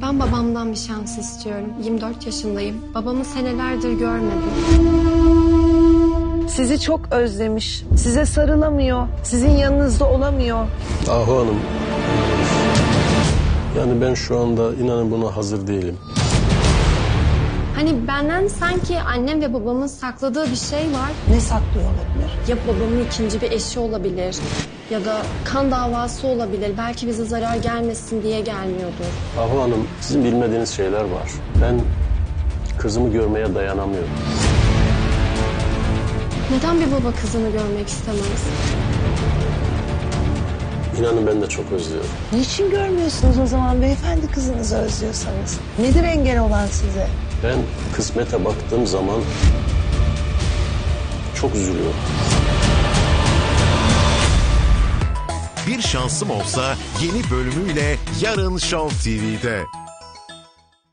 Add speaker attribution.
Speaker 1: Ben babamdan bir şans istiyorum. 24 yaşındayım. Babamı senelerdir görmedim.
Speaker 2: Sizi çok özlemiş. Size sarılamıyor. Sizin yanınızda olamıyor.
Speaker 3: Ahu Hanım, yani ben şu anda inanın buna hazır değilim.
Speaker 1: Hani benden sanki annem ve babamın sakladığı bir şey var.
Speaker 2: Ne saklıyor olabilir?
Speaker 1: Ya babamın ikinci bir eşi olabilir. Ya da kan davası olabilir. Belki bize zarar gelmesin diye gelmiyordur.
Speaker 3: Ahu Hanım, sizin bilmediğiniz şeyler var. Ben kızımı görmeye dayanamıyorum.
Speaker 1: Neden bir baba kızını görmek istemez?
Speaker 3: İnanın ben de çok özlüyorum.
Speaker 2: Niçin görmüyorsunuz o zaman beyefendi kızınızı özlüyorsanız? Nedir engel olan size?
Speaker 3: Ben kısmete baktığım zaman çok üzülüyorum.
Speaker 4: Bir Şansım Olsa yeni bölümüyle yarın Show TV'de.